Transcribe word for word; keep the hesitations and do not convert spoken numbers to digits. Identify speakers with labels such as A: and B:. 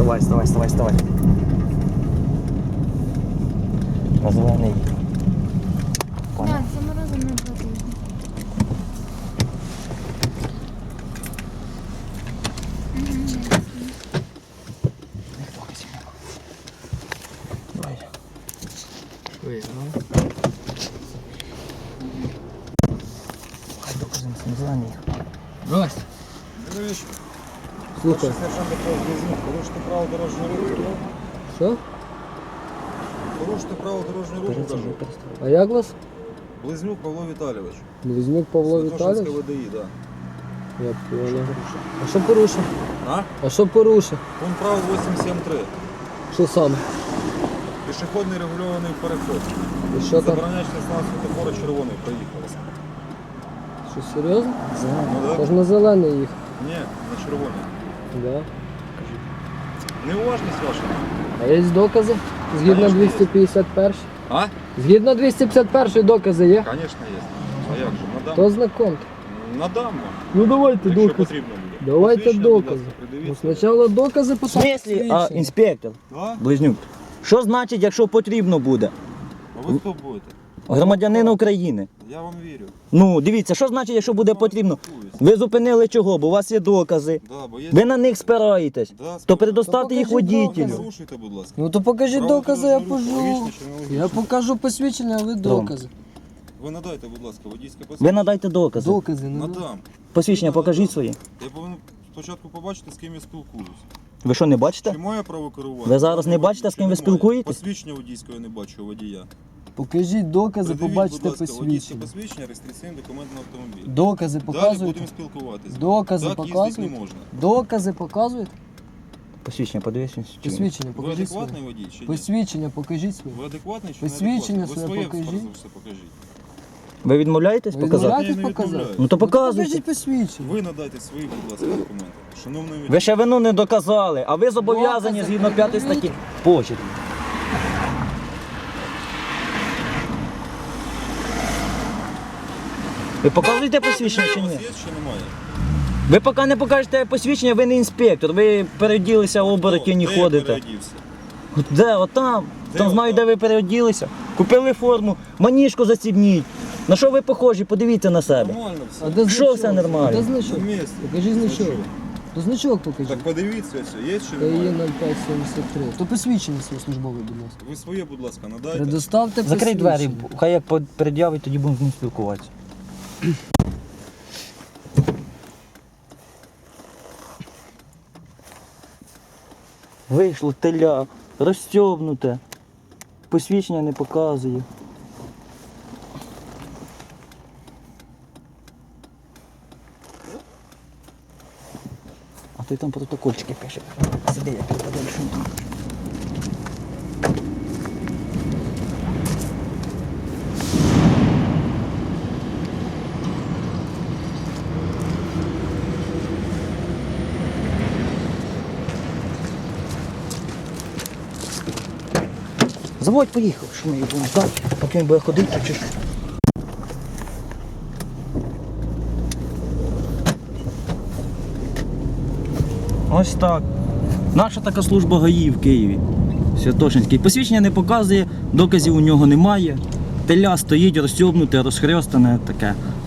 A: Вставай, вставай, вставай, вставай. На зелений. Понял?
B: Так, це морозиво не потрібно.
A: Давай.
C: Виїхав.
A: Хай докази на зелений.
C: Здрасте.
D: Дивись,
C: Слухай.
D: сержант Павло Близнюк, порушити право дорожнього руху.
C: Що?
D: Порушити право дорожнього руху, кажу.
C: А як вас?
D: Близнюк Павло Віталійович.
C: Близнюк Павло
D: Святошинське
C: Віталійович?
D: ВДІ, так.
C: Я понял. А що порушив?
D: А?
C: А що порушив?
D: Пункт права вісімсот сімдесят три.
C: Що саме?
D: Пішохідний регульований переход.
C: І що там?
D: Забороняючи на світофору червоний, проїхали.
C: Що, серйозно?
D: Ну
C: Та
D: так?
C: ж на зелений їх.
D: Ні, на червоний.
C: Да.
D: Неуважність ваша.
C: А є докази? Згідно
D: Конечно,
C: двісті п'ятдесят перший.
D: А?
C: Згідно двісті п'ятдесят перший докази є?
D: Звісно, є. А як же? Надам.
C: То знакомте.
D: Надам вам.
C: Ну давайте
D: Якщо
C: докази.
D: потрібно буде.
C: Давайте
D: Посвідчення, будь
C: докази.
D: ласка,
C: Ну,
D: придивіть.
C: спочатку докази,
A: В
C: потім
A: смислі, а,
C: свідчення.
A: інспектор,
D: Да?
A: Близнюк, що значить, якщо потрібно буде?
D: А ви хто будете?
A: Громадянин України.
D: Я вам вірю.
A: Ну, дивіться, що значить, якщо буде потрібно? Ви зупинили чого, бо у вас є докази.
D: Да, бо є...
A: Ви на них спираєтесь.
D: Да,
A: То
D: спокійно.
A: предоставте їх
C: покажіть
A: водітелю.
C: докази.
D: Порушуйте, будь ласка.
C: Ну то покажіть
D: Право
C: докази, я
D: дорожнього руху,
C: пожу.
D: логічно чи не логічно?
C: Я покажу посвідчення, а ви докази.
D: Ви надайте, будь ласка, водійське
A: Ви
D: посвідчення.
A: надайте докази.
C: Докази, не надо.
D: Надам.
A: Посвідчення покажіть свої.
D: Я повинен спочатку побачити, з ким я спілкуюсь.
A: Ви що, не бачите?
D: Чи має право керувати?
A: Ви зараз не бачите, з ким ви
D: Чи немає?
A: спілкуєтесь?
D: Посвідчення водійського я не бачу у водія.
C: Покажіть докази,
D: Придивіть,
C: побачите
D: будь ласка, водійське
C: посвідчення.
D: посвідчення, реєстраційний документ на автомобіль.
C: Докази
D: Далі
C: показуєте?
D: будемо спілкуватися.
C: Докази
D: Так їздити
C: показуєте?
D: не можна.
C: Докази показуєте?
A: Посвідчення подивіться. чи ні?
C: Посвідчення
D: Ви
C: покажіть своє.
D: адекватний водій чи ні?
C: Посвідчення покажіть своє.
D: Ви адекватний чи
C: Посвідчення
D: не адекватний?
C: своє
D: Ви своє
C: покажіть.
D: все покажіть.
A: Ви відмовляєтесь
C: Ви
A: показати?
C: відмовляєтесь
D: Я не
C: показати?
D: відмовляю.
A: Ну то
C: Ну, то
A: показуйте.
C: покажіть посвідчення.
D: Ви надайте свої, будь ласка, документи. Шановний водій.
A: Ви ще вину не доказали, а ви зобов'язані
C: Докази
A: згідно п'ятої
C: пред'явіть.
A: статті. Почерк. Ви показуєте посвідчення чи
D: У вас
A: ні?
D: є чи немає?
A: Ви поки не покажете посвідчення, ви не інспектор, ви переоділися, оборотні
D: Де я
A: ходите.
D: переодівся?
A: Де? Отам.
D: Де
A: Там знаю,
D: отам?
A: де ви переоділися. Купили форму, маніжку застібніть. На що ви похожі? Подивіться на себе.
D: Нормально все.
C: А де
A: Що
C: значок?
A: все нормально?
C: А де
D: На
C: значок?
D: місці.
C: Покажіть значок.
D: Значок.
C: То значок покажіть.
D: Так подивіться все, є чи
C: Та є
D: немає?
C: нуль п'ять сімдесят три. То посвідчення своє службове, будь ласка.
D: Ви своє, будь ласка, надайте.
C: Предоставте
A: Закрий двері,
C: посвідчення.
A: хай як пред'явить, тоді будемо з ним спілкуватися. Вийшло теля, розстьобнуте, посвідчення не показує. А той там протокольчики пише. Сиди, я підпадаю, що він там пише. Заводь поїхав, що ми його будемо ждати, поки він буде ходити чи що. Ось так. Наша така служба ГАІ в Києві. Святошинський. Посвідчення не показує, доказів у нього немає. Теля стоїть розсьобнуте, розхрьостане таке.